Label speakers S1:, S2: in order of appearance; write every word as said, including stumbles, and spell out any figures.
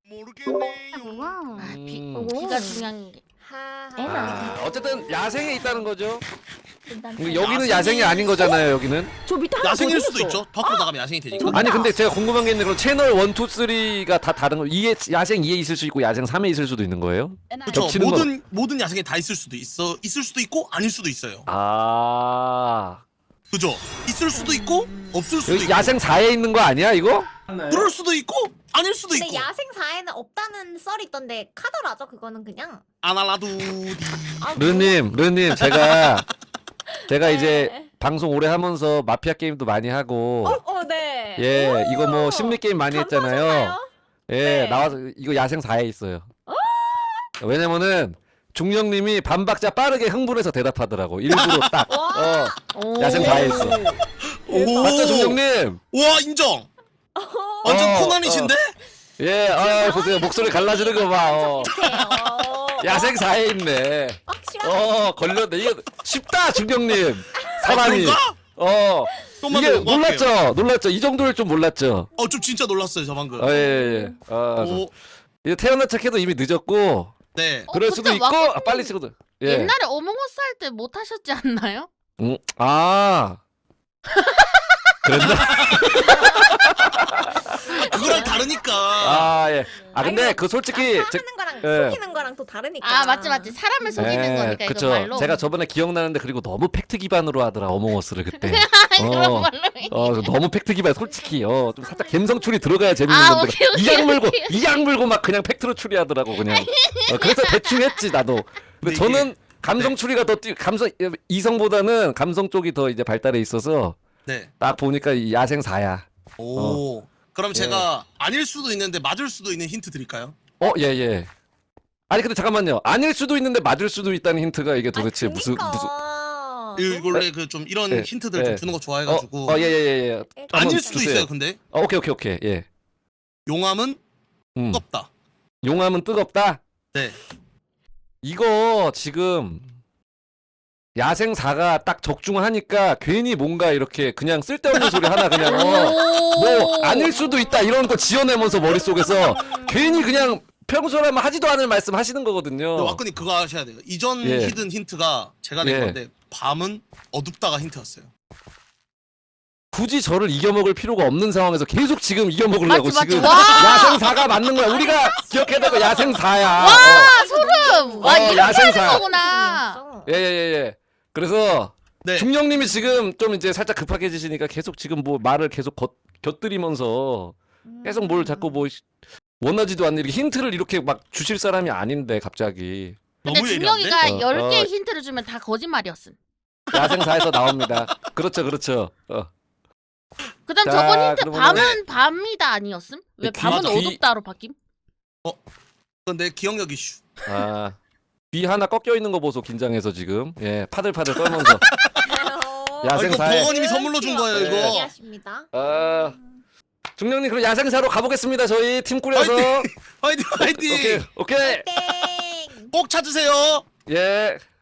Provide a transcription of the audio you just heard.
S1: 모르겠네요.
S2: 아, 비,
S3: 음.
S2: 비가 중요한 게.
S3: 아, 어쨌든 야생에 있다는 거죠.
S2: 일단
S3: 여기는
S1: 야생이-
S3: 야생이 아닌 거잖아요. 여기는.
S4: 저 밑에 하나
S1: 야생일
S4: 더
S1: 수도
S4: 생겼어.
S1: 있죠. 밖으로 나가면 야생이 되니까.
S4: 저기-
S3: 아니 근데 제가 궁금한 게 있는데 그럼 채널 일, 이, 삼가 다 다른 거 이에 야생 이에 있을 수 있고 야생 삼에 있을 수도 있는 거예요?
S1: 그렇죠.
S3: 겹치는
S1: 모든 모든 야생에 다 있을 수도 있어. 있을 수도 있고 아닐 수도 있어요.
S3: 아.
S1: 그죠? 있을 수도 있고 없을 수도
S3: 여기
S1: 있고.
S3: 야생 사에 있는 거 아니야, 이거?
S1: 그럴 수도 있고 아닐 수도
S5: 근데
S1: 있고.
S5: 야생 사에는 없다는 썰이 있던데 카더라죠 그거는 그냥.
S1: 아나라두디.
S5: 아,
S3: 르님, 르님 제가 제가
S5: 네.
S3: 이제 방송 오래 하면서 마피아 게임도 많이 하고
S5: 어, 어, 네.
S3: 예, 이거 뭐 심리 게임 많이 했잖아요.
S5: 감사하셨나요?
S3: 예,
S5: 네.
S3: 나와서 이거 야생 사에 있어요. 왜냐면은 중령님이 반박자 빠르게 흥분해서 대답하더라고. 일부러 딱. 어,
S2: 오.
S3: 야생 사에 있어.
S1: 오.
S3: 맞죠, 중령님?
S1: 와 인정. 완전
S3: 어,
S1: 코난이신데?
S3: 예, 아, 보세요. 목소리 갈라지는 거 봐. 어. 야생 사에 있네.
S5: 확실하게.
S3: 어, 걸렸네. 이게 쉽다, 중령님. 사람이.
S1: 그런가?
S3: 어.
S1: 좀만
S3: 이게
S1: 더 넘어갈게요.
S3: 놀랐죠? 놀랐죠? 이 정도일 줄 몰랐죠?
S1: 어, 좀 진짜 놀랐어요, 저 방금.
S3: 아, 예, 예. 아,
S1: 오,
S3: 이거 태어난 척해도 이미 늦었고,
S1: 네.
S2: 어,
S3: 그럴
S2: 근데
S3: 수도 있고,
S2: 와꾸님
S3: 아, 빨리 치고도. 예.
S2: 옛날에 어몽어스 할 때 못 하셨지 않나요?
S3: 음, 아. 그랬나?
S1: 그거랑 다르니까.
S3: 아, 예. 아, 근데
S5: 아니,
S3: 그 솔직히.
S5: 하는
S3: 제-
S5: 거랑
S3: 예.
S5: 속이는 거랑 또 다르니까.
S2: 아 맞지 맞지 사람을 속이는 거니까
S3: 그쵸.
S2: 이거 말로.
S3: 제가 저번에 기억나는데, 그리고 너무 팩트 기반으로 하더라, 어몽어스를 그때.
S2: 그런
S3: 어.
S2: 말로.
S3: 어, 너무 팩트 기반, 솔직히. 어, 좀 살짝 감성 추리 들어가야 재밌는
S2: 아,
S3: 건데.
S2: 오케이, 오케이,
S3: 이악 물고,
S2: 오케이.
S3: 이악 물고 막 그냥 팩트로 추리하더라고, 그냥. 어, 그래서 대충 했지, 나도. 근데
S1: 이게-
S3: 저는 감성
S1: 네.
S3: 추리가 더, 뛰, 감성, 이성보다는 감성 쪽이 더 이제 발달해 있어서,
S1: 네.
S3: 딱 보니까 이 야생 사야.
S1: 오. 그럼
S3: 예.
S1: 제가 아닐 수도 있는데 맞을 수도 있는 힌트 드릴까요?
S3: 어, 예, 예. 아니, 근데 잠깐만요. 아닐 수도 있는데 맞을 수도 있다는 힌트가 이게 도대체
S5: 아니,
S3: 무슨,
S5: 그니까.
S3: 무슨.
S1: 이 원래 그 좀 이런
S3: 네.
S1: 힌트들
S3: 네.
S1: 좀 주는 거
S3: 어,
S1: 좋아해가지고.
S3: 어, 예, 예, 예. 예. 한번
S1: 아닐 수도
S3: 주세요.
S1: 있어요, 근데.
S3: 어, 오케이, 오케이, 오케이. 예.
S1: 용암은
S3: 음.
S1: 뜨겁다.
S3: 용암은 뜨겁다?
S1: 네.
S3: 이거 지금 야생사가 딱 적중하니까 괜히 뭔가 이렇게 그냥 쓸데없는 소리 하나 그냥 어, 뭐 아닐 수도 있다 이런 거 지어내면서 머릿속에서 괜히 그냥 평소라면 하지도 않을 말씀 하시는 거거든요.
S1: 근데 왁근이 그거 하셔야 돼요. 이전
S3: 예.
S1: 히든 힌트가 제가 낸
S3: 예.
S1: 건데 밤은 어둡다가 힌트였어요.
S3: 굳이 저를 이겨먹을 필요가 없는 상황에서 계속 지금 이겨먹으려고
S2: 맞지, 맞지.
S3: 지금
S2: 와!
S3: 야생사가 맞는 거야. 우리가 기억해야 되고 야생사야.
S2: 와 소름. 와
S3: 어,
S2: 이렇게
S3: 야생사.
S2: 하는 거구나.
S3: 예예예. 예, 예. 그래서
S1: 네.
S3: 중령님이 지금 좀 이제 살짝 급하게지시니까 계속 지금 뭐 말을 계속 겉, 곁들이면서 계속 뭘 자꾸 뭐 원하지도 않는 이렇게 힌트를 이렇게 막 주실 사람이 아닌데 갑자기
S2: 근데
S1: 너무 예리한데?
S2: 준영이가
S3: 어,
S2: 열 개의
S3: 어.
S2: 힌트를 주면 다 거짓말이었음.
S3: 야생사에서 나옵니다. 그렇죠, 그렇죠. 어.
S2: 그다음
S3: 자,
S2: 저번 힌트
S3: 그러면은-
S2: 밤은 밤이다 아니었음? 왜
S3: 귀-
S2: 밤은
S1: 귀-
S2: 어둡다로 바뀜?
S1: 근데 기억력 이슈.
S3: 아, 귀 하나 꺾여 있는 거 보소 긴장해서 지금 예 파들파들 떨면서
S1: 아, 이거
S3: 야생사에
S1: 버거님이 선물로 준 거예요, 이거.
S5: 얘기하십니다.
S3: 아 중령님 그럼 야생사로 가보겠습니다. 저희 팀 꾸려서
S1: 화이팅, 화이팅!
S3: 오케이 오케이
S5: 땡.
S1: 꼭 찾으세요.
S3: 예.